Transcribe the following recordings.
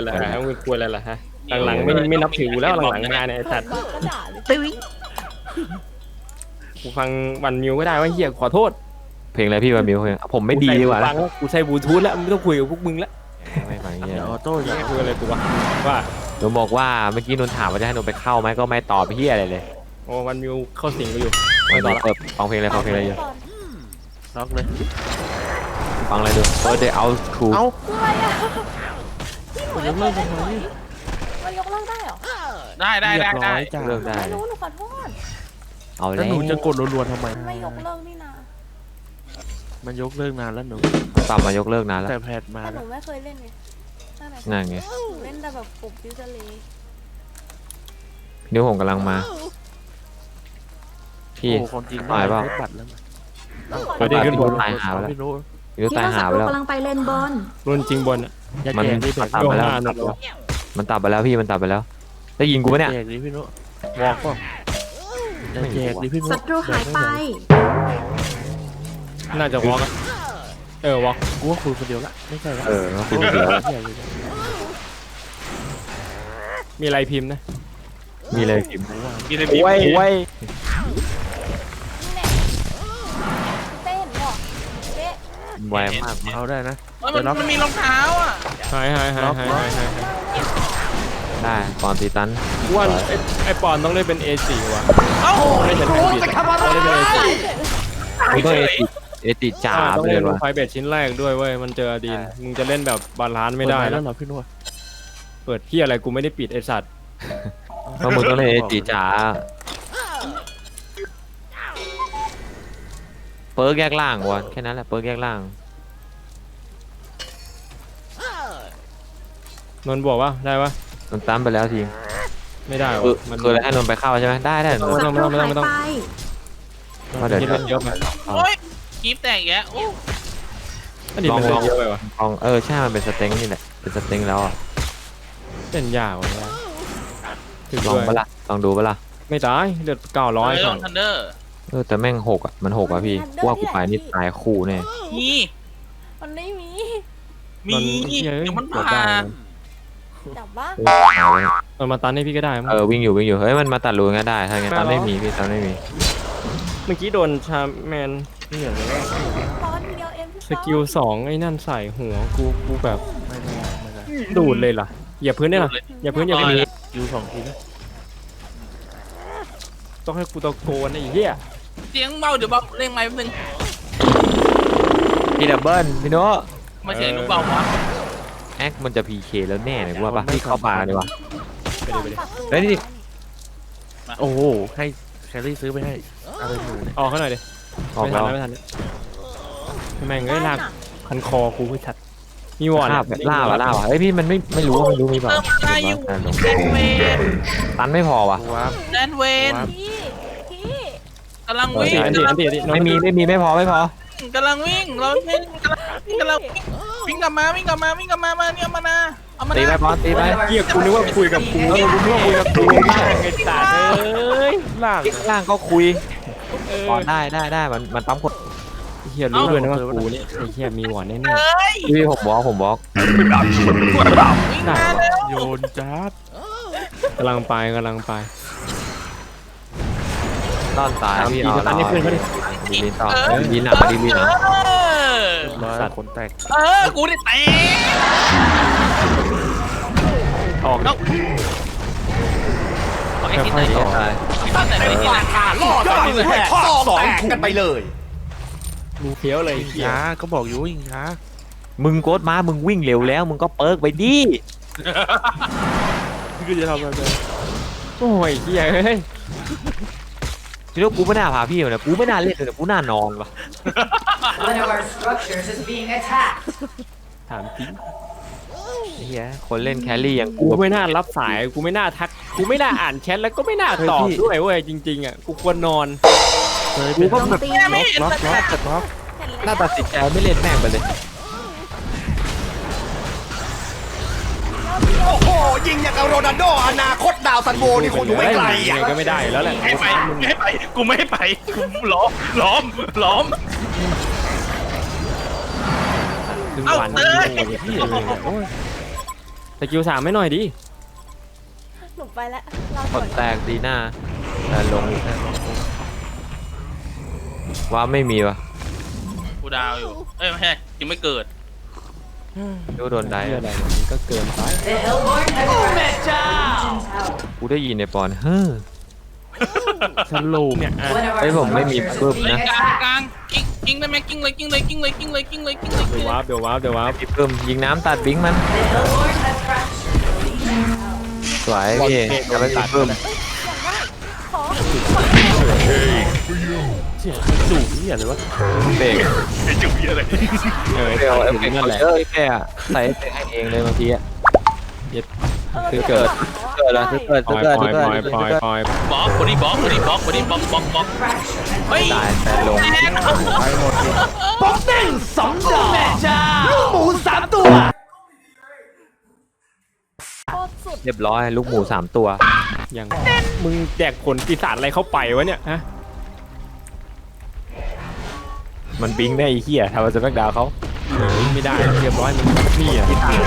อะไรล่ะฮะมึงคุยอะไรล่ะฮะหลังๆไม่นับถือแล้วหลังๆมาเนี่ยไอ้สัตว์ก็ด่าเลยตึ้งกูฟังวันมิวก็ได้ว่าเฮียขอโทษเพลงอะไรพี่วันมิวเพลงผมไม่ดีดีกว่าฟังกูใช้บลูทูธแล้วไม่ต้องคุยกับพวกมึงแล้วไม่ฟังเงี้ยเดี๋ยวออโต้อย่าคุยอะไรกูว่าหนูบอกว่าเมื่อกี้นนถามว่าจะให้หนูไปเข้าไหมก็ไม่ตอบพี่อะไรเลยโอ้วันมิวเข้าสิงกูอยู่ไม่ไม่ตต่ออบ ละเปิดฟังเพลงอะไรฟังเพลงอะไรอยู่ล็อกเลยฟังอะไรดูเดี๋ยวเอาถูกเอ้าคืออะไรอ่ะคุณจะเลิกทำไมมันยกเลิกได้เหรอได้เรียบร้อยจ้าเลิกได้ไม่รู้หนูขอโทษเอาแล้แล้ว วหนูจะกดรัวๆทำไมมันไม่ยกเลิกนี่นะมันยกเลิกนานแล้วหนูปรับมายกเลิกนานแล้วแต่แพทมาแต่หแล้นูวไม่เคยเล่นไงตั้งแต่นั่นไงหนูเล่นแต่แบบปลุกยูเซเลนิ้วผมกำลังมา พี่โอ้คนจริงตายเปล่าได้บัตรแล้วนะไม่ได้ขึ้นบนตายหาไปแล้วพี่นุ๊กนิ้วตายหาไปแล้วกำลังไปเลนบอลรุ่นจริงบนอ่ะอย่ามันแจกดิแบมันบตัดไปแล้วโยนหน้าหนักวะมันตัดไปแล้วพี่มันตัดไปแล้ว ได้ยินกูปะเนี่ยแจกดิพี่นุ๊กวอกป่ะอย่าแจกดิพี่นุ๊กศัตรูหายไปน่าจะวอล์กวอล์กกูว่าคุยคนเดียวละไม่ใช่ละก็คือเดี๋ยวมีอะไรพิมพ์นะมีเลยพิมพ์กินในบีบโอ้ยนี่แน่เต้นเหรอเต้ไวมากเอาได้นะมันมีรองเท้าอ่ะหายได้ก่อนตีตันว่าไอ้ปอนต้องเล่นเป็น A4 ว่ะเอ้าเล่นเป็นไฮบริดต้องเล่นเป็น A4 มึงก็เอติจ่าต้องไปเลเล่ยนวะไฟเบสชิ้นแรกด้วยเว้ยมันเจอดีนมึงจะเล่นแบบบาลานซ์ไม่ได้แล้แล้ว วเหรอพี่นุ๊กเปิดที่อะไรกูไม่ได้ปิดไอสัตว์เพราะมึงต้องเล่นเอติจ่าเปิร์กแยกล่างวะแค่นั้นแหละเปิร์กแยกล่างนนท์บอกว่าได้ปะนนตั้มไปแล้วทีไม่ได้คือวะมันคือให้นนไปเข้าใช่ไหมได้ได้นนศัตรูหายไปว่าเดี๋ยวคิดเล่นเยอะไปโอ้ยกีบแตกแกโอ้อันนี้มันเล่นเยอะไปวะลองใช่มันเป็นสเต็งนี่แหละเป็นสเต็งแล้วอ่ะเล่นยากว่ะถึงลองด้วยปะล่ะลองดูปะล่ะไม่ตายเดือด900 ลก่ออน งทันเดอร์แต่แม่งหกอ่ะมันหกอ่ะพี่กูว่ากูไปนี่ตายคู่แน่มีมันไม่มีมีเดี๋ยวมันผ่านจับว่ามันมาตันให้พี่ก็ได้มั้งวิ่งอยู่เฮ้ยมันมาตัดรูงั้นได้ถ้างั้นตันไม่มีพี่ตันไม่มีเมื่อกี้โดนชาแมนนี่อย่างนี้ตอนเดียวเองพี่สกิล2ไอ้นั่นใส่หัวกูแบบไม่ได้ไม่ได้ดูดเลยล่ะอย่าพื้นได้ล่ะอย่าพื้นอย่าพื้นยูสองทีนะต้องให้กูตะโกนไอ้เหี้ยเสียงเบาเดี๋ยวเบาเร่งไม้แป๊บนึงพี่ดับเบิลพี่โน้มาเสียงลูกเบาวะแอคมันจะพีเคแล้วแน่เลยกูว่าปะพี่เข้าป่าดีกว่าไปดิเฮ้ยนี่โอ้โหให้แคลรี่ซื้อไปให้อะไรหนูเนี่ยออกเขาหน่อยดิออกไม่ทัแล้นวไม่ทันแม่งเอ้ยลากพันคอกูไม่ชัดมีวอร์ดล่าวะเฮ้ยพี่มันไม่รู้ว่ามันรู้มีเปล่าเติมได้อยู่แดนเวนตันไม่พอวะว้าวแดนเวนพี่กำลังวิ่งอันตีไม่พอกำลังวิ่งเราวิ่งกำลังวิ่งกลับมามาเนี่ยมานะเอามาตีไปนะบอลตีไปเกียกูนึกว่าคุยกับกูกูนึกว่าคุยกับกูไอ้สัตว์เอ้ยล่างล่างก็คุยบอลได้มันปั๊มกดเฮียรู้ด้วยนะว่ากูเนี่ยไอ้เฮียมีวอร์ดแน่เฮ้ยพี่ผมบล็อกวิ่งมาเร็วโยนจัดๆกำลังไปต้อนตายพี่เอาตันนี่เพื่อนเขาดิดีลินต่อดีหนักดีลินนะร้อยสัตว์คนแตกกูได้เตะออกเอาไอ้ที่ไหนต่อตั้งแต่ไม่ได้ราคาล่อย่อยให้ข้อสองกันไปเลยมีเฟี้ยวเลยยิงเฮียช้าก็บอกอยู่ว่ายิงช้ามึงโกดมามึงวิ่งเร็วแล้วมึงก็เปิร์กไปดิคือจะทำอะไรโอ้ยเฮียเฮ้ยทีนี้กูไม่น่าพาพี่มาเลยกูไม่น่าเล่นเลยกูน่านอนว่ะ One of our structures is being attacked ถามจริงเฮียคนเล่นแครี่อย่างกูไม่น่ารับสายกูไม่น่าทักกูไม่น่าอ่านแชทแล้วก็ไม่น่าตอบด้วยเว้ยจริงๆอ่ะกูควรนอนเคยกูเป็นก็แบบล็อกน่าตัดสินใจไม่เล่นแม่งไปเลยโอ้โห ยิงอย่างกับโรนัลโดอนาคตดาวซันโบนี่คงอยู่ไม่ไกลยังอ่ะไงก็ไม่ได้อยู่แล้วแหละไม่ไปกูไม่ให้ไปกูล้อมถึงเอาวันเตนี้ยโอ้ยพี่เลยโอ้ยสกิล3ไม่หน่อยดิหนูไปแล้วเรากก่อดนแตกดีหน้าแต่ลงว่าไม่มีวะกูดาวอยู่ เอ้ยไม่ใช่ยังไม่เกิดดูโดนได้เหี้ยอะไรเนี่ยมันก็เกินไป The Hellborn have crashed. กูได้ยินในปอนเฮ้อสรุปเนี่ยอ่ะ One of our เฮ้ยผมไม่มี structures ปึ๊บ is being นะกลาง attacked. กลางกิ้งได้ไหมกิ้งเลยกิ้งเลยกิ้งเลยกิ้งเลยกิ้งเลยกิ้งเลยกิ้งเลยเดี๋ยววาร์ปเดี๋ยววาร์ปเดี๋ยววาร์ปพี่เพิ่มยิงน้ำตัดบิงมัน The Hellborn have fractured. สวยพี่จะไม่มีเพิ่มขอเสียงสูงนี่อะไรวะเบรกเออเบลเอฟเฟตักดต์นั่นแหละเยอะแค่ใส่เอฟเฟกต์ให้เองเลยบางทีอะคือเกิดเกิดแล้วเกิดปล่อยเกิดปล่อยเกิดปล่อยปล่อยเกิดปล่อยบล็อกบอดี้บล็อกบอดี้บล็อกบอดี้บล็อกบล็อกบล็อก Fracture and เฮ้ยตายแต่ลงแน่นไปหมดเลยโคตรสุดเรียบร้อยลูกหมู3ตัวยังมึงแดกผลปีศาจอะไรเข้าไปวะเนี่ยฮะมันบิงได้ไอ้เหี้ยทำมาจะแบกดาวเขาไม่ได้เรียบร้อยมึงนี่อ่ะ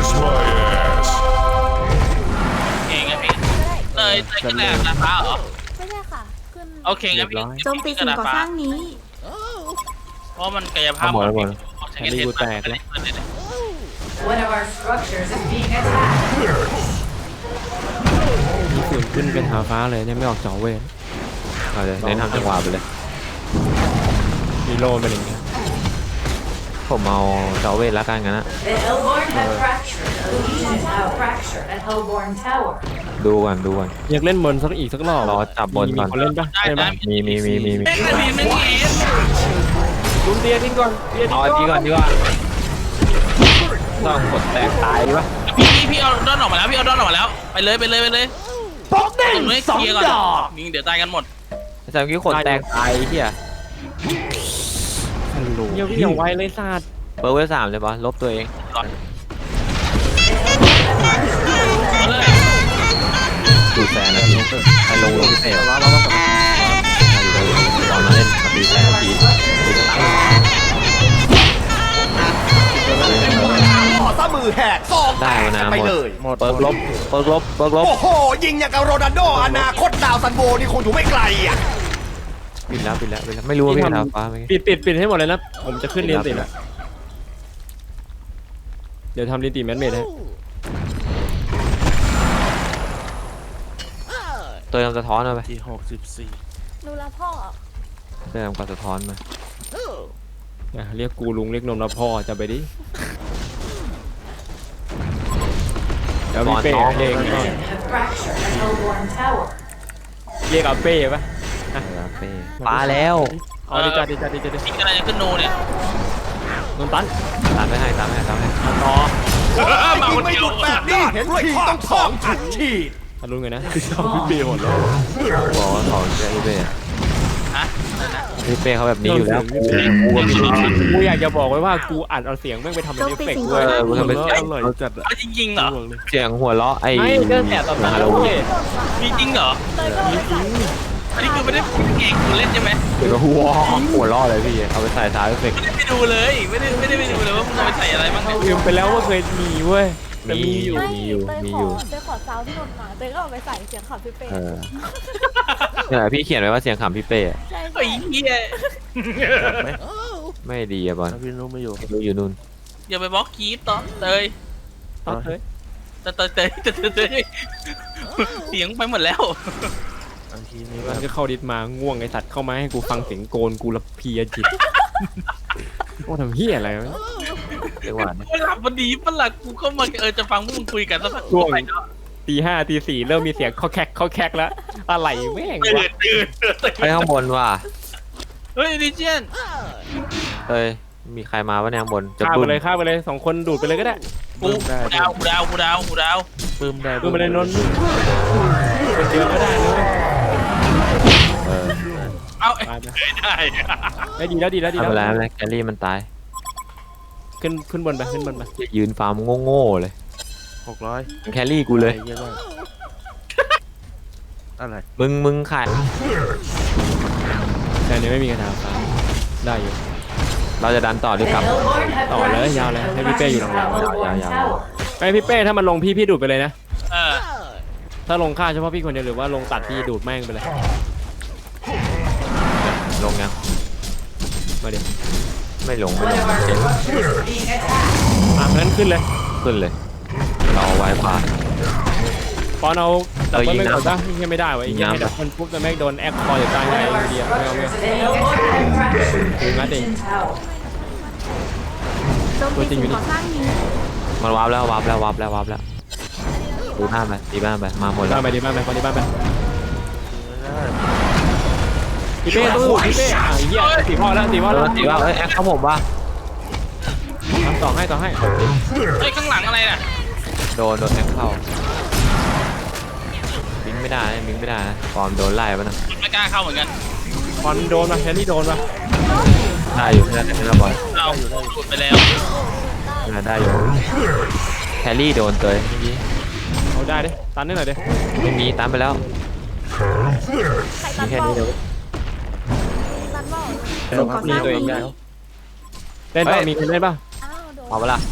เก่งไงพี่เลยขึ้นแรงนะฟ้าเหรอไม่ใช่ค่ะ ขึ้นโอเคงั้นพี่โจมตีสิ่งก่อสร้างนี้เพราะมันกายภาเอาพหมดแล้วหมดใช้เงินเทนมา one of our structures is being attacked. มีส่วนขึ้นเป็นหาฟ้าเลยเนี่ยไม่ออกจอเวทเอาเลยเน้นทำจังหวะไปเลยมีโลเป็นอย่างเงี้ยผมเอาเจาเวทแล้วกันงั้นนะ The Hellborn have fractured. The Legion is now fractured at Hellborn Tower. ดูก่อนดูก่อนอยากเล่นบนสักอีกสักรอบรอจับบนมีก่อนคนเล่นปะได้ใช่ได้ปะมีแม่งกระดิ่งแม่งเอ็นลุมเตียทิ้งก่อนเตียทิ้เอางอันนี้ก่อนดีกว่าต้องกดแตกตายดีวะพี่เอาด้อนออกมาแล้วพี่เอาด้อนออกมาแล้วไปเลยไปเลยไปเลยป๊อกเด้ง2 ดอกยิงเดี๋ยวตายกันหมดแต่เมื่อกี้คนแตกตายไอ้เหี้ยเยี่ยวอย่างไวเลยศาสตร์เบอร์เวล3เลยปะลบตัวเองเอาเลยดูแซนนะพี่ให้ลงพิเศษตอนนั้นเล่นมาตีแซนทีตีสตันขอซะมือแหกซองแตได้กมานะไปหมดเลยหมดเปิร์กลบเปิร์กลบเปิร์กลบโอ้โห ยิงอย่างกับโรนัลโดอนาคตดาวซันโบนี่คงอยู่ไม่ไกลอ่ะปิดแล้วปิดแล้วปิดแล้วไม่รู้ว่าพี่ทำฟ้าไหมปิดให้หมดเลยนะผมจะขึ้นเรียนติแล้วเดี๋ยวทำเรียนติแมนเมดให้ตัวทำสะท้อนมาไปที่64 ดูแลพ่อตัวทำกับสะท้อนมาเรียกกูลุงเรียกนมนะพ่อจะไปดิเดี๋ยวมีเป้เอง Legion have fractured at Hellborn Tower. เรียกเอาเป้ปะฟ้าแล้วเอาดิจ้าดิจ้าดิจ้าดิยิงอะไรจะขึ้นโนเนี่ยนนตันตามไม่ให้ตามไม่ให้ตามไม่ให้ต่อยิงไม่หยุดแบบนี้เห็นทีต้อง2 ชุดฉีดทะลุไงนะพี่เบย์หมดแล้วบอกว่าเขาจะพี่เป้ฮะพี่เป้เขาแบบนี้อยู่แล้วกูอยากจะบอกไว้ว่ากูอัดเอาเสียงแม่งไปทำเป็นเอฟเฟกต์ด้วยกูทำเป็นอร่อยจัดอะจริงเหรอเสียงหัวเราะไอ้ไม่ก็แต่ตอนนั้นฮาโลวีนมีจริงเหรอเลยก็เลยใส่อันนี้คือไม่ได้เก่งกูเล่นใช่ไหมเดี๋ยวก็หัวเราะเลยพี่เอาไปใส่ซาวด์เอฟเฟกต์ไม่ได้ไปดูเลยไม่ได้ไปดูเลยว่ามึงเอาไปใส่อะไรบ้างเนี่ยลืมไปแล้วว่าเคยมีเว้ยแต่มีมีอยู่ไม่มีอยู่เตยมีขอยู่อเตยขอซาวที่นนท์มาเตยก็เอาไปใส่เสียงขับพี่เป้เออเนี่ยพี่เขียนไว้ว่าเสียงขำพี่เป้อะใช่ไอ้ใช่เหี้ยไม่ดีอะบอลถ้าพี่นุ้ไม่อยู่ดูอยู่นู่นอย่าไปบล็อกคีปต่อเตยเอาเฮ้ยเตยเสียงไปหมดแล้วบางทีนี้มันก็เข้าดิสมาง่วงไอสัตว์เข้ามาให้กูฟังเสียงโกนกูละเพลียจิตโอ้ทำเฮียอะไรวะเรียกว่ากูหลับพอดีปะล่ะกูก็มาจะฟังพวกมึงคุยกันสักพักช่วง ตี 5 ตี 4เริ่มมีเสียงข้อแคกแล้วอะไรแม่งวะตื่นไปข้างบนว่ะเฮ้ยดิเจนเอ้ยมีใครมาปะเนี่ยข้างบนจะฆ่าบึ้ไปมเลยฆ่าไปเลย2 คนดูดไปเลยก็ได้กูดาวปื้มได้ดูไปเลยนนท์เป็นเยอะก็ได้นะเออเอาไปได้ได้ดีแล้วดีแล้วดีทำแล้วอะไรไม่ได้แคลรี่มันตายขึ้นบนไปขึ้นบนไปยืนฟาร์มโง่ๆเลย 600 แคลรี่กูเลยเยอะมากอะไรมึงขายแต่นี้ไม่มีกระถางฟ้าได้อยู่เราจะดันต่อหรือกลับ The Hellborn have ต่อเลย fractured ยาวเลย at ให้พี่เป้อยู่หลัง Hellborn ยาว Tower. ๆไอพี่เป้ถ้ามันลงพี่ดูดไปเลยนะเออถ้าลงฆ่าเฉพาะพี่คนเดียวหรือว่าลงตัดพี่ดูดแม่งไปเลยลงยังมาเดี๋ยวไม่ลง One of our structures is being attacked. งั้นขึ้นเลยขึ้นเลยเราไว้พาปอนเอาดับเบิลยิงไม่น้ำกดได้ยังไม่ได้วะยังไม่ดับเบิลปุ๊บแต่แม่งโดนแอคคอร์อยู่ใต้ไง One of our เดียวไม่เอาไม่ structures เอา is being attacked. Ancient tower. โจมตีสิ่งก่อสร้างนี้มันวาร์ปแล้วดูหน้าไปตีบ้านไปมาหมดแล้วบ้านไปดีบ้านไปคนดีบ้านไปพี่เป้ตู้พี่เป้ไอ้เหี้ยตีพ่อแล้วตีพ่อแล้วตีว่าแอคเขาผมว่าทำต่อให้ไอ้ยข้างหลังอะไรน่ะโดนแอคเข้าบิงไม่ได้นะฟอร์มโดนไล่ป่ะนะไม่กล้าเข้าเหมือนกันคอนโดนมาแคลรี่โดนมาได้อยู่แค่นั้นนะบอลเราหลุดไปแล้วได้อยู่แครี่โดนเตยเมื่อกี้เอาได้ดิตันนิดหน่อยดิไม่มีตามไปแล้วใครตัมีนแค่บอนี้ลเดียวตันบอลลงพักนี้ตัวเองได้เล่นป่ะมีคนเล่นป่ะอ้าวโดนเอาเวลา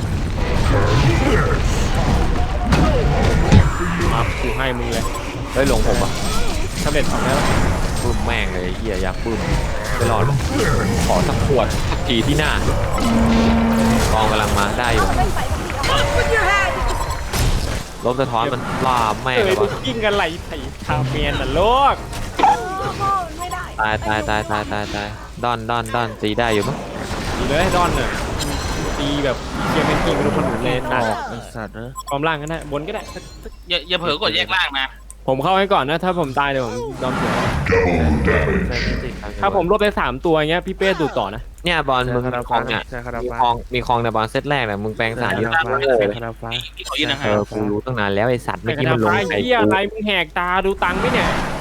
มากูให้มึงเลยเฮ้ยลงผมอ่ะสำเร็จ2แล้วปื้มแม่งเลยเฮียอยากปื้มไม่รอดขอสักขวดสักทีที่หน้ากองกำลังมาได้อยู่ไม่ใส่สักทีเอาขึ้นยูแฮนลบสะท้อนมันล่าแม่งเอ้เลย ยวะกินกันไหลไถ่คาเมียนน่ะโลกพ่อมันไม่ได้ตายดอนตีได้อยู่มั้งดีเลยดอนน่ะตีแบบเชียร์เมนทีไม่รู้คนอื่นเลยตัดไอ้สัตว์นะความล่างก็ได้บนก็ได้อย่าเผลอกดแยกล่างนะผมเข้าให้ก่อนนะถ้าผมตายเดี๋ยวผมยอมเสียถ้าผมรวบได้3ตัวเงี้ยพี่เป้ดูต่อนะเนี่ยบอลมึงคาราคลฟ้าองเนี่ยใช่คารามีฟ้าคลองในบอลเซตแรกเนี่ยมึงแปลงสารเยอะคาราฟ้าเลยคาราฟ้าพี่ขอยืนนะเอฮะอกูรู้ตั้งนานแล้วไอสัตว์เมื่อกี้มันลงไอ้ใส่เหี้ยกูอะไรมึงแหกตาดูตังค์ไหมเนี่ย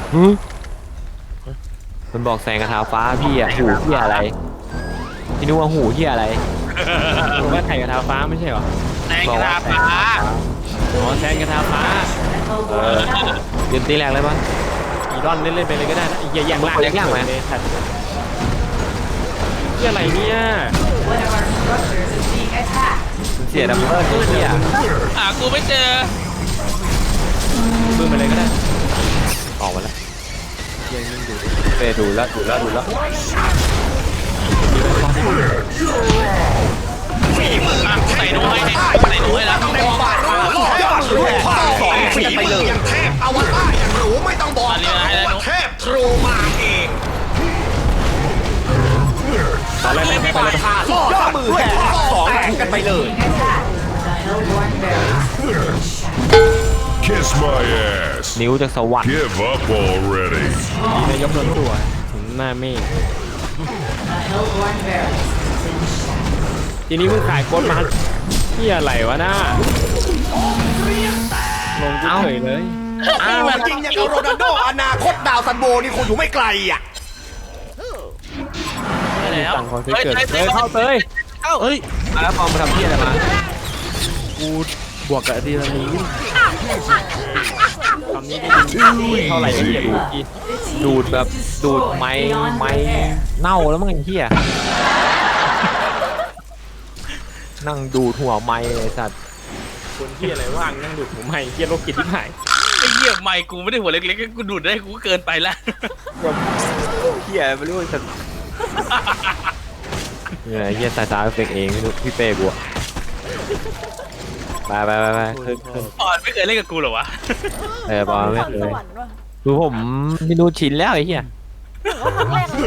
มันบอกแสงกระทาฟ้าพี่อะหูเหี้ยอะไรพี่นึกว่าหูเหี้ยอะไรผมว่าไถ่กระทาฟ้าไม่ใช่เหรอแสงกระดาษฟ้าอ๋อแซงกระทาฟ้ายืนตีแรกเลยมั้งอีดอนเล่นไปเลยก็ได้นะไอ้เหี้ยแย่งล่างแย่งล่างไหมเลยสัตว์เหี้ยอะไรเนี่ย One of our structures is being attacked. เสียดับเบิ้ลเหี้ยหากูไม่เจอบึ้มไปเลยก็ได้ออกมาแล้วเปดูแล้วใส่หนูให้ใส่หนูให้แล้วบาดรู้รอดยอดด้วยพ่อสอนฝีมืออย่างเทพอวตารอย่างหรูไม่ต้องบอกก็รู้ว่าเทพทรูมาเองตอนแรกไม่ไปเลยล่อยอดมือแห่สองแข่งกันไปเลย Being attacked. The Hellborn barracks. Kiss my ass. นิ้วจากสวรรค์ Give up already. นายกโดนตัวถึงหน้าเมฆ The Hellborn barracks is in shadow. ทีนี้มึงขายโค้ดมาเหี้ยอะไรวะน้าลงกูเฉยเลยจริงอย่างกับโรนัลโดอนาคตดาวซันโบนี่คงอยู่ไม่ไกลอ่ะแล้วต่างคนที่เกิดเตยเข้าเตยเฮ้ยแล้วฟอร์มมาทำเหี้ยอะไรมากูบวกกับอะดรีนาลีนคำนี้ได้ยินเท่าไหร่ก็เหี้ยดูกีดูดแบบดูดไม้เน่าแล้วมั้งไอ้เหี้ยนั่งดูดหัวไม้เลยสัตว์คนเหี้ยอะไรว่างนั่งดูดผมให้เหี้ยโรคจิตที่หายไอ้เหี้ยไม่กูไม่ได้หัวเล็กๆกูดูดได้กูเกินไปแล้วเหี้ยไม่รู้สัตว์เนี่ยเหี้ยตาเฟกเองไม่รู้พี่เป้บัวไปขึ้นปอนไม่เคยเล่นกับกูเหรอวะบอลไม่เคสยวรรค์ว่ะคือผมไม่รู้ชินแล้วไอ้เหี้ยว่าครั้งแรกเลย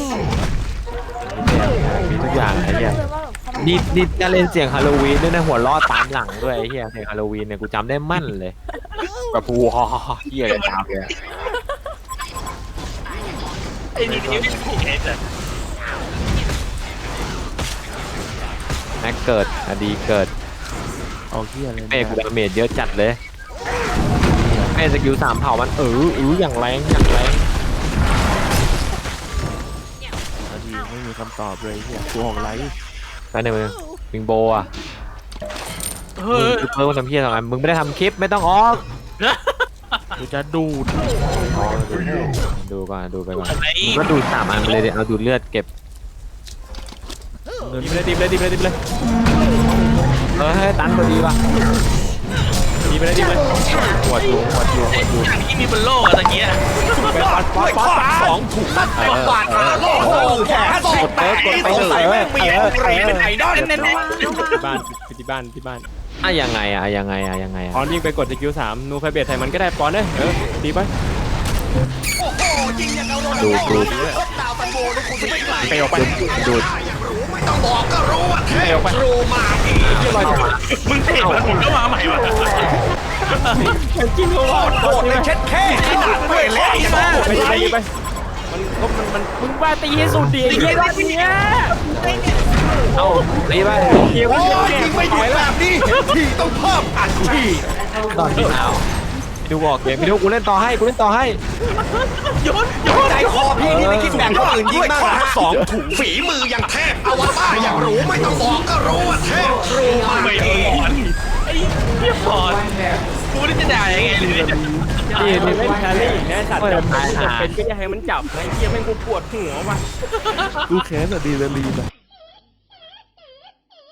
มีทุกอย่างไอ้เหี้ยนี่จะเล่นเสียงฮาโลวีนด้วยนะหัวล้อตามหลังด้วยไอ้เหี้ยเสียงฮาโลวีนเนี่ยกูจำได้มั่นเลยแบบผูเหี้ยเลยตามเลยไอ้นี่นี่กูเห็นเลยแม็กเกิดอดีเกิดเอาเหี้ยเลยเป้กูดาเมจเยอะจัดเลยเป้สกิล3เผ่ามันอย่างแรงอะดรีไม่มีคำตอบเลยเหี้ยกูออกไลฟ์ไปหนึ่งวิงโบอ่ะเฮ้ยมึงเพิ่มทำเพี้ยสองอันมึงไม่ได้ทำคลิปไม่ต้องออกกูจะดูดดูก่อนดูไปก่อนอะไรมึงก็ดู3อันไปเลยเดี๋ยวเอาดูดเลือดเก็บดิบเลยให้ตันพอดีป่ะดีไปเลยดีไปหวดอยู่อย่างที่มีบนโลกอะตะเกียด้วยข้อ2ถูกตัดเต็มบาทขาโลกแขนสองแตกสงสัยแม่งมีแองเกรเป็นไอดอลที่บ้านที่บ้านยังไงยังไงปอนยิงไปกดสกิล3นูไฟเบทใส่มันก็ได้ปอนเอ้ยตีไปโอ้โหยิงอย่างเอาโดนดาวตันโบนี่คุณไม่ไกลไปออกไปดูดไม่ต้องบอกก็รู้ว่าเทพทรูมาอีกมึงเตะมันผมก็มาใหม่วะกินโลโคตรเลยเช็ดแค่ขนาดไม่เล่นมาไปไปมันมึงว่าตีให้สุดดีไอ้เหี้ยเนี่ยเอ้าตีไปเหี้ยโอ้มันยยิงไม่หยุดแบบนี้เห็นทีต้องเพิ่มอัดทีตอนนี้เอาดูบอกเกมพี่ดูกูเล่นต่อให้ใจคอพี่นี่ไม่คิดแบ่งคนอื่นยิงบ้างนะสองถุงฝีมืออย่างเทพอวตารอย่างรู้ไม่ต้องบอกก็รู้ว่าเทพทรูมาไม่อีพกอไอ้เหี้ยพอกูนี่จะด่ายังไงเลยนี่เล่นแครี่อีกนะสัตว์จับเป็นก็อย่าให้มันจับไอ้เหี้ยแม่งกูปวดหัวว่ะกูแค้นอะดีเลยลีนอะ